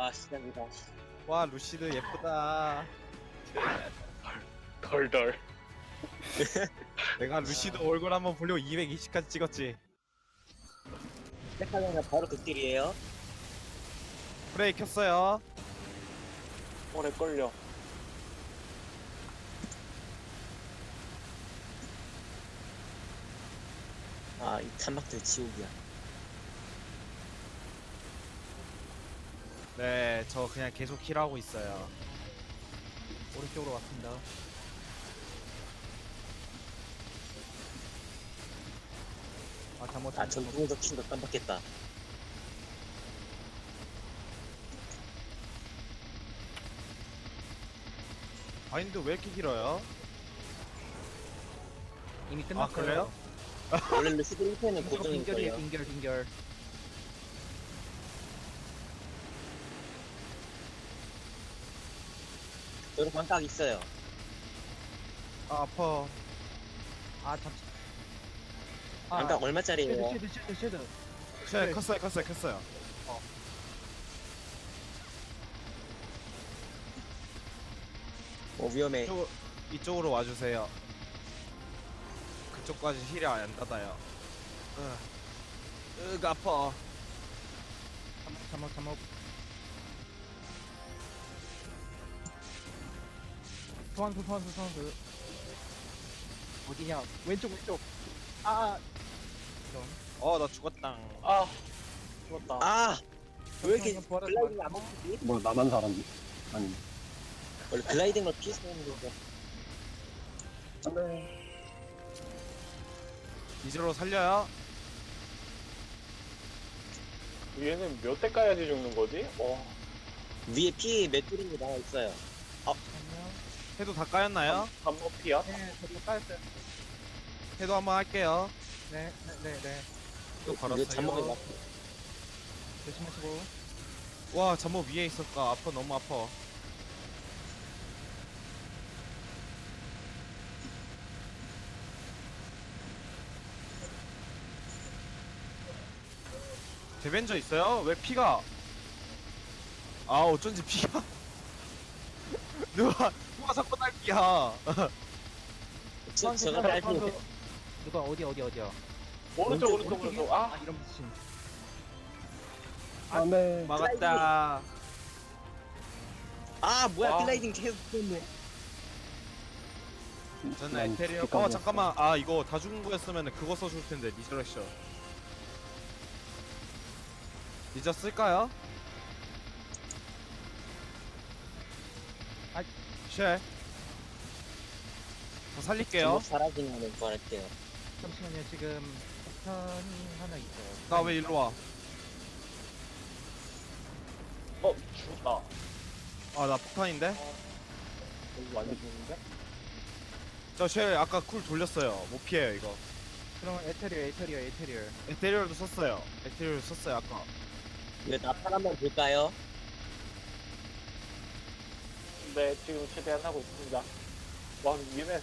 아, 시작이다. 와 루시드 예쁘다. 덜덜. 내가 루시드 얼굴 한번 보려고 220까지 찍었지. 시작하자마자 바로 극딜이에요. 프레이 켰어요. 오래 걸려. 아, 이 탄막들 지옥이야. 네, 저 그냥 계속 힐하고 있어요. 오른쪽으로 왔습니다. 아 잘못 아, 전통에서 킨거 깜빡했다. 바인드 왜 이렇게 길어요? 이미 끝났어요. 그래요? 원래 루시드 1패는 빙결이에요. 고정일걸요. 빙결. 저도 반각 있어요. 아 아파. 아 잠시. 반각 얼마짜리예요? 쉐드. 네, 컸어요. 위험해. 이쪽으로 와주세요. 그쪽까지 힐이 안 닫아요. 아파. 잠옷. 소환수. 어디냐? 왼쪽. 아. 이런. 나 죽었다. 아, 죽었다. 아! 왜 이렇게 잠깐만, 부활하지 글라이딩 안 먹히지? 뭐 나만 사람이 아니 원래 글라이딩을 피했었는 건데. 이제로 살려요. 얘는 몇 대 까야지 죽는 거지? 위에 피 몇 줄인지 나와 있어요. 잠깐만요. 해도 다 까였나요? 반모피야? 네, 저도 까였어요. 해도 한번 할게요. 네. 또 이거 잠목이 걸었어요. 막 조심하시고. 와 잠모 위에 있었다. 아파 너무 아파. 데벤저 있어요? 왜 피가? 아 어쩐지 피가 누가 자꾸 날피야. 제가 딸피 누가 어디야? 오른쪽. 아 이런 미친. 안돼 막았다. 아 뭐야 아. 글라이딩 계속 했네. 저는 에테리어. 잠깐만. 이거 다 죽은 거였으면 그거 써줄 텐데 리저렉션. 리저 쓸까요? 쉘. 저 살릴게요. 제목 사라지는 거 구할게요. 잠시만요. 지금 폭탄이 하나 있어요. 나 왜 일로 와? 죽었다. 나 폭탄인데? 여기 완전 죽는데? 저 쉘 아까 쿨 돌렸어요. 못 피해요 이거. 그럼 에테리어. 에테리얼도 썼어요. 에테리얼 썼어요 아까. 이거 나팔 한번 볼까요? 네, 지금 최대한 하고 있습니다. 와, 위험해.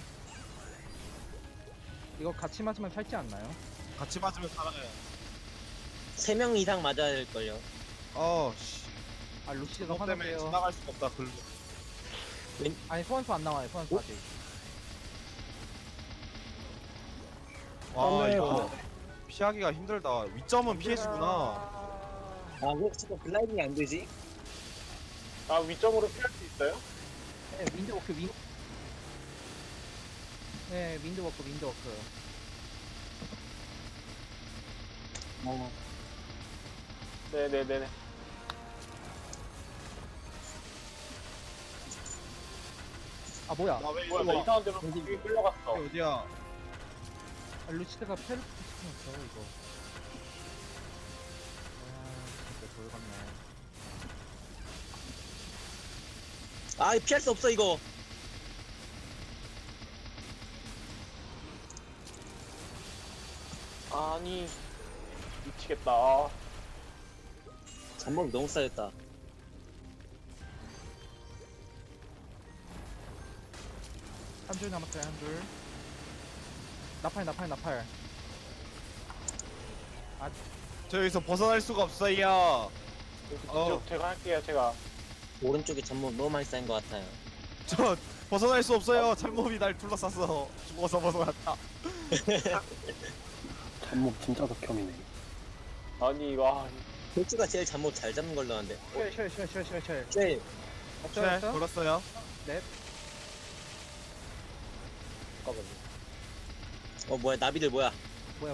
이거 같이 맞으면 살지 않나요? 같이 맞으면 살아요. 3명 이상 맞아야 될걸요. 씨. 아 루시드가 그것 때문에 화나세요. 지나갈 수가 없다. 글로. 아니 소환수 안 나와요. 소환수 아직. 와 네, 이거 피하기가 힘들다. 위점은 피해지구나. 아 왜 자꾸 글라이딩이 안 되지? 아, 위점으로 피할 수 있어요? 네, 윈드워크. 네, 윈드워크. 네네네네. 아 뭐야? 나왜 뭐야, 나 이상한 데로 여기 끌려갔어. 어디야? 아, 루시드가 페르트 시켰어 이거. 진짜 돌같네. 아 이거 피할 수 없어 이거. 아니, 미치겠다. 잠목이 너무 쌓였다. 한 줄 남았어요, 한 줄. 나팔. 저 여기서 벗어날 수가 없어요. 제가 할게요, 제가. 오른쪽에 잠못 너무 많이 쌓인 것 같아요. 저 벗어날 수 없어요. 참몹이 날 둘러쌌어. 죽어서 벗어났다. 잠목 진짜 극혐이네. 아니, 와. 골주가 제일 잠못 잘 잡는 걸로 아는데. 쉘. 쉘. 네, 걸었어요. 잠깐만요. 뭐야 나비들 뭐야? 뭐야.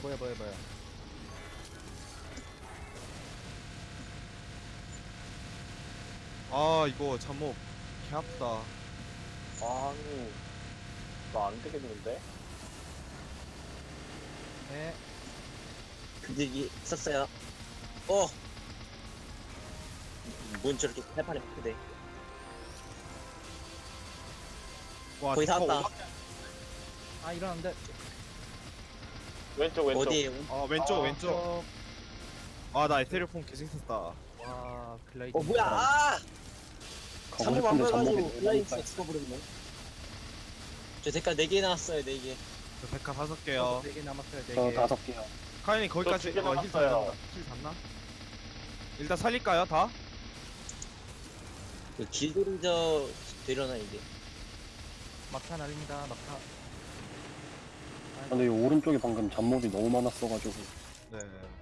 아 이거 잠몹 개 아프다. 아니, 나 안 되겠는데? 네. 근질기 있었어요. 뭔 저렇게 팔판에 크대. 와 거의 다 디카 왔다. 아 일어났는데. 왼쪽. 어디에? 왼쪽. 아 나 에테리폼 계속 있었다. 와 글라이드. 뭐야? 아! 가고 잠못 안 싶은데 보여가지고 잠목이 너무 블라인드 많이 죽어버렸네. 저 색깔 4개 나왔어요 4개. 저 백화 5개요. 4개 남았어요. 저 4개. 5개요. 카인이 거기까지 두개 힐 남았어요. 닿나? 일단 살릴까요 다? 그 길들이저 되려나 이게. 막타 날립니다. 막타. 근데 이 오른쪽에 방금 잠목이 너무 많았어가지고. 네.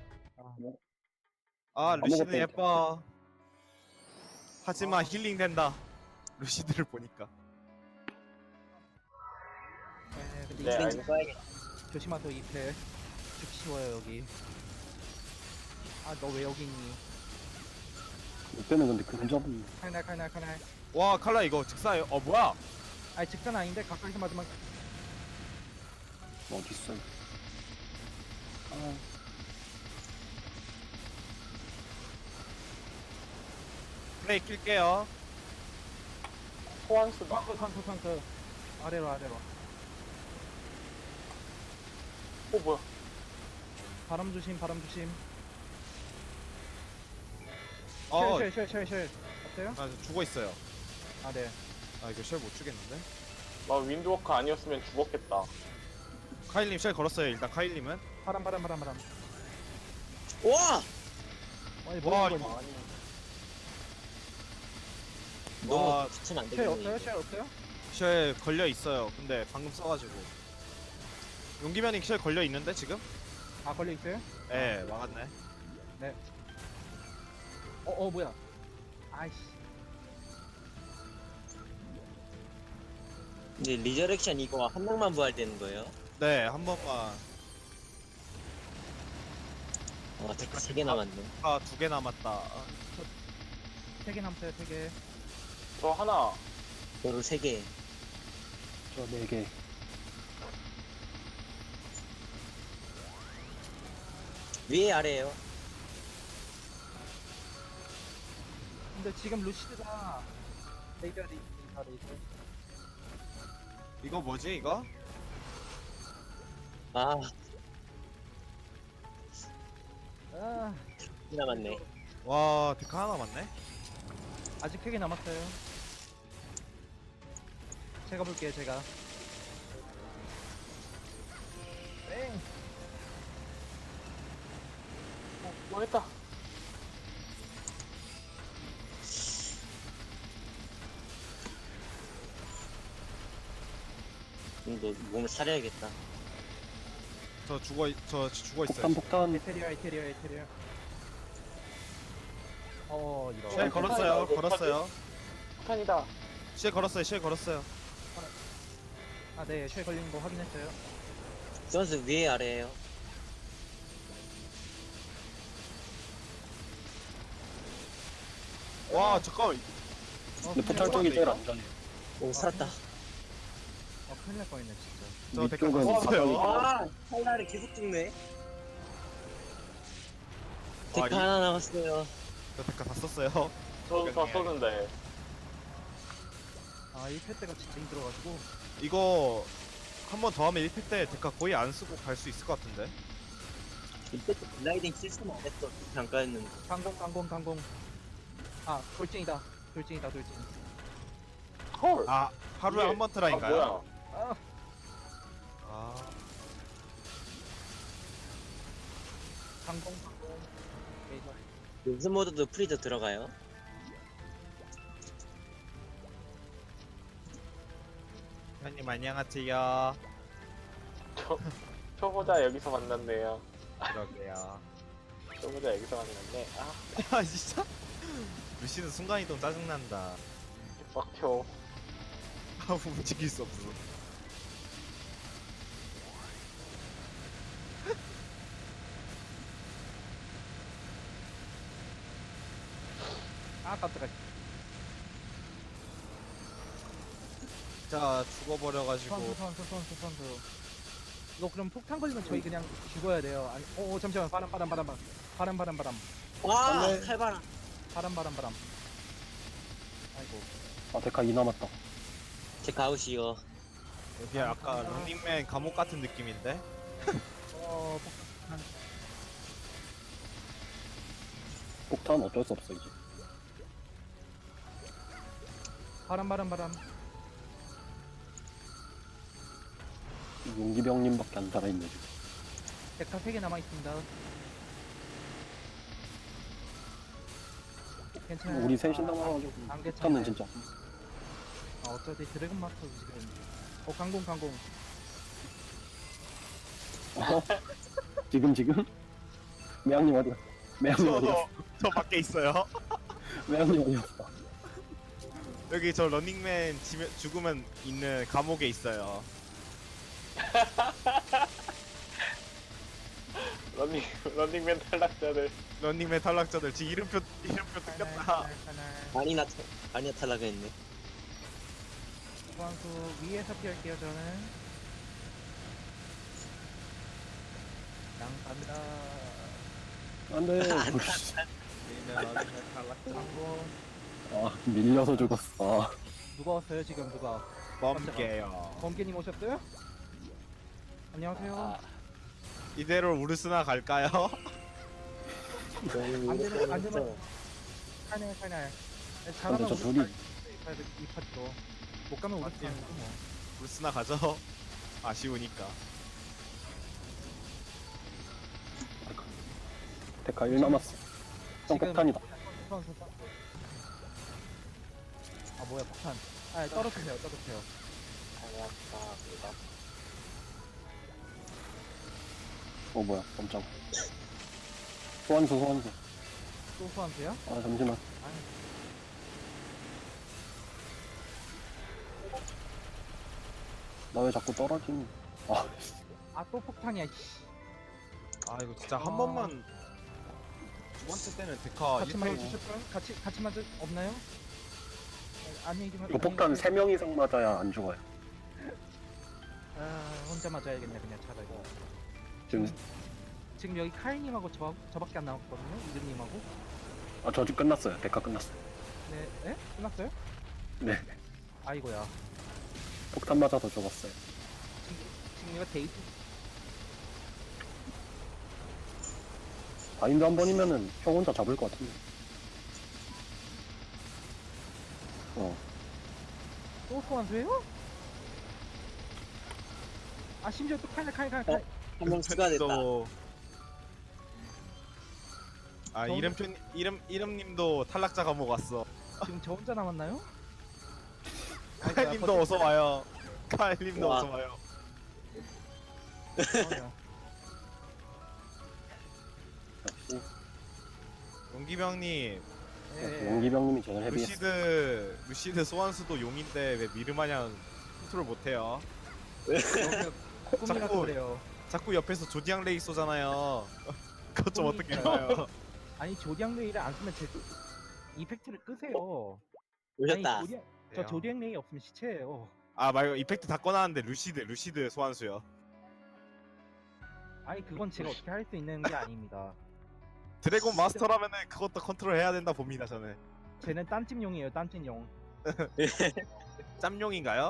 아. 아 루시드 아무것도 예뻐. 하지만 힐링 된다. 루시드를 보니까. 네, 근데 네, 이게 알겠습니다. 써야겠다. 조심하세요. 2패. 죽기 쉬워요 여기. 아 너 왜 여기 있니? 이때는 근데 근접은 칼날. 와 칼라 이거 즉사예요. 뭐야? 아니 직선 아닌데 가까이서 맞으면 어딨어요. 아, 플레이 킬게요. 소환수다. 턴 아래로. 뭐야. 바람 조심. 어, 쉘. 어때요? 아 죽어 있어요. 아 네. 아 이거 쉘 못 주겠는데? 나 윈드워커 아니었으면 죽었겠다. 카일님 쉘 걸었어요. 일단 카일님은. 바람. 와! 아니 와, 뭐야 이거. 아니, 너무 붙이면 안 쉘 되겠네. 없어요? 쉘 걸려 있어요. 근데 방금 써가지고. 용기면이 쉘 걸려 있는데 지금? 아 걸려 있어요? 예, 막았네. 뭐야? 아이씨. 이제 리저렉션 이거 한 명만 부활되는 거예요? 네, 한 번만. 데카 3개 남았네. 아, 2개 남았다. 3개 남았어요. 3개. 저 하나. 도로 3개. 저 4개. 위에 아래에요. 근데 지금 루시드가 레이저. 이거 뭐지, 이거? 아, 아 2개 남았네. 와, 데카 하나 남았네? 아직 3개 남았어요. 제가 볼게요. 제가. 땡. 뭐 했다. 너 몸을 사려야겠다. 저 죽어 있어요. 폭탄. 에테리어. 이런. 쉘 걸었어요. 폭탄이다. 쉘 걸었어요. 아, 네. 쉘 걸리는 거 확인했어요. 선수 위에 아래에요. 와, 잠깐만. 근데 포탈 쪽이 제일 안전해요. 오, 살았다. 큰일 날 뻔했네 진짜. 저 데카 위쪽은 썼어요. 아, 칼날이 계속 죽네. 데카 이- 하나 남았어요. 저 데카 다 썼어요. 저도 다 썼는데. 아 1패 때가 진짜 힘들어가지고. 이거 한 번 더 하면 1패 때 데카 거의 안 쓰고 갈 수 있을 것 같은데. 이때 또 글라이딩 실수만 안 했어. 잠깐은. 강공. 아 돌진이다. 돌진. 헐. 아, 하루에 이게- 한 번 트라인가요? 뭐야. 아 아, 강공. 레이저. 연습 모드도 프리저 들어가요? 형님 안녕하세요. 초보자 여기서 만났네요. 그러게요. 초보자 여기서 만났네. 아, 아 진짜? 루시는 순간이동 짜증난다. 빡쳐. 아 움직일 수 없어. 아 깜짝아. 자 죽어버려가지고. 선수. 이거 그럼 폭탄 걸리면 저희 그냥 죽어야 돼요. 아니, 잠시만. 바람. 와 네. 칼바람. 바람. 아이고. 아 데카 2 남았다. 제 가우시요. 여기 아까 런닝맨 감옥 같은 느낌인데? 폭탄. 폭탄 어쩔 수 없어 이제. 바람. 용기병님밖에 안 살아있네 지금. 데카 3개 남아있습니다. 괜찮아요. 우리 셋이 남아가지고 안 폭탄은 괜찮아요. 진짜. 어차피 드래곤 마스터 지금. 강공. 어? 지금? 매양님 어디야? 매양님 어디야? 저 밖에 있어요. 매양님 어디였어? 여기 저 런닝맨 죽으면 있는 감옥에 있어요. 런닝맨 탈락자들. 런닝맨 탈락자들 지금 이름표 뜯겼다. 아니나 탈락했네. 선수 위에서 피할게요 저는. 갑니다. 안돼. 런닝맨 탈락자. 강공. 아 밀려서 죽었어. 아, 누가 왔어요 지금 누가? 멈게요. 범계님 오셨어요? 안녕하세요. 아, 이대로 우르스나 갈까요? 안 되면 칼날. 근데 저 둘이 이 파티로 못 가면 우리 팀 뭐. 우르스나 가죠. 아쉬우니까. 데카 1 남았어. 형 폭탄이다. 아 뭐야 폭탄. 아 떨어뜨세요. 탈락자입니다. 어 뭐야 깜짝. 소환수. 또 소환수야? 아 잠시만. 나 왜 자꾸 떨어지니? 아 또 폭탄이야. 씨. 아 이거 진짜 한 번만 두 번째 때는 데카 같이 1패 맞으셨어요? 같이 맞을 없나요? 안녕히 좀. 이거 폭탄 3명 이상 맞아야 안 죽어요. 혼자 맞아야겠네 그냥 차라리. 지금 여기 카이님하고 저밖에 안 남았거든요. 이든님하고. 아 저 지금 끝났어요. 데카 끝났어요. 네? 끝났어요? 네. 아이고야. 폭탄 맞아서 죽었어요. 지금 이거 데이트. 바인드 한 번이면은 형 혼자 잡을 것 같은데. 또 소환수예요? 아 심지어 또 칼. 한명 추가됐다. 또... 아 저- 이름님도 탈락자 감옥 왔어. 지금 저 혼자 남았나요? 칼님도 어서 와요. 칼님도 와. 어서 와요. 역시 용기병님, 용기병님이 제일 헤비했어. 루시드 소환수도 용인데 왜 미르마냥 컨트롤 못해요? 꿈이라서 자꾸- 그래요. 자꾸 옆에서 조디앙 레이 쏘잖아요. 그것 좀 어떻게 꿈이니까요. 해봐요? 아니 조디앙 레이를 안 쓰면 제 이펙트를 끄세요. 오셨다. 아니, 저 조디앙 레이 없으면 시체예요. 아 말고 이펙트 다 꺼놨는데 루시드 소환수요. 아니 그건 제가 어떻게 할 수 있는 게 아닙니다. 드래곤 마스터라면은 그것도 컨트롤 해야 된다 봅니다 저는. 쟤는 딴찜용이에요. 딴찜용. 짬용인가요?